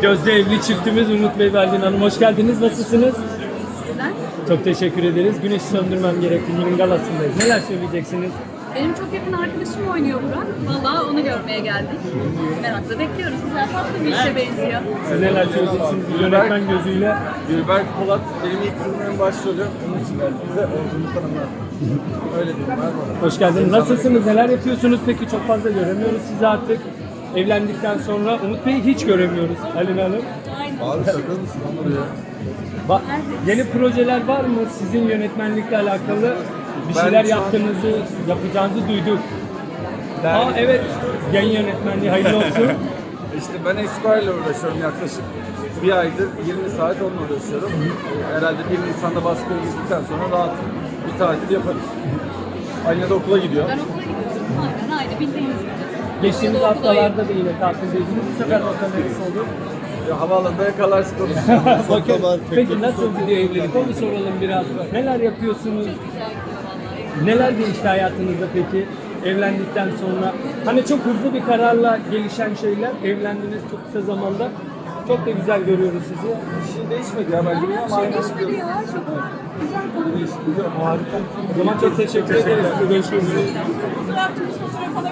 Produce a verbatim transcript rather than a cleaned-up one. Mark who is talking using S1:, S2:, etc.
S1: Gözde evli çiftimiz Umut Bey ve Aylin Hanım. Hoş geldiniz. Nasılsınız?
S2: Sizden.
S1: Çok teşekkür ederiz. Güneşi söndürmem gerekti. Günün galasındayız. Neler söyleyeceksiniz?
S2: Benim çok yakın arkadaşım oynuyor Burak. Valla onu görmeye geldik. Merakla bekliyoruz. Güzel tatlı bir işe benziyor.
S1: Siz neler söyleyeceksiniz? Bir yönetmen gözüyle.
S3: Gülberk Polat benim ilk filmimin başrolü. Onun için geldi bize. Oyunculuktan anlar. Öyle diyeyim ben bana.
S1: Hoş geldiniz. Nasılsınız? Neler yapıyorsunuz? Peki çok fazla göremiyoruz sizi artık. Evlendikten sonra Umut Bey'i hiç göremiyoruz Aylin Hanım.
S3: Abi şaka mısın Onur ya?
S1: Ba- yeni projeler var mı? Sizin yönetmenlikle alakalı bir
S3: Ben
S1: şeyler
S3: şu an-
S1: yaptığınızı, yapacağınızı duyduk.
S3: Ben,
S1: Aa evet, yayın yönetmenliği hayırlı olsun.
S3: işte ben Esquire ile uğraşıyorum yaklaşık bir aydır yirmi saat onunla uğraşıyorum. Herhalde bir Nisan'da baskıya girdikten sonra rahat bir tatil yaparız. Aynı da okula gidiyor.
S2: Ben okula gidiyorum. Aynen aynen bildiğiniz gibi.
S1: Geçtiğimiz
S2: Okula
S1: haftalarda da yine tatildeydiniz. Bu sefer rota neresi olur?
S3: Ya, havaalanında yakalarsın konuşacağım.
S1: Bakın, peki nasıl gidiyor evlilik? Onu soralım biraz. Neler yapıyorsunuz?
S2: Güzel gidiyor vallahi.
S1: Neler değişti hayatınızda peki evlendikten sonra? Hani çok hızlı bir kararla gelişen şeyler. Evlendiniz çok kısa zamanda. Çok da güzel görüyoruz sizi.
S3: Bir şey değişmedi ya bence ama
S2: Şey
S3: aynı
S2: değişmedi ya. Çok güzel konu.
S1: Harika. O zaman çok teşekkür ederiz. Görüşmek üzere.
S2: Fotoğrafçımız fotoğraf alabilir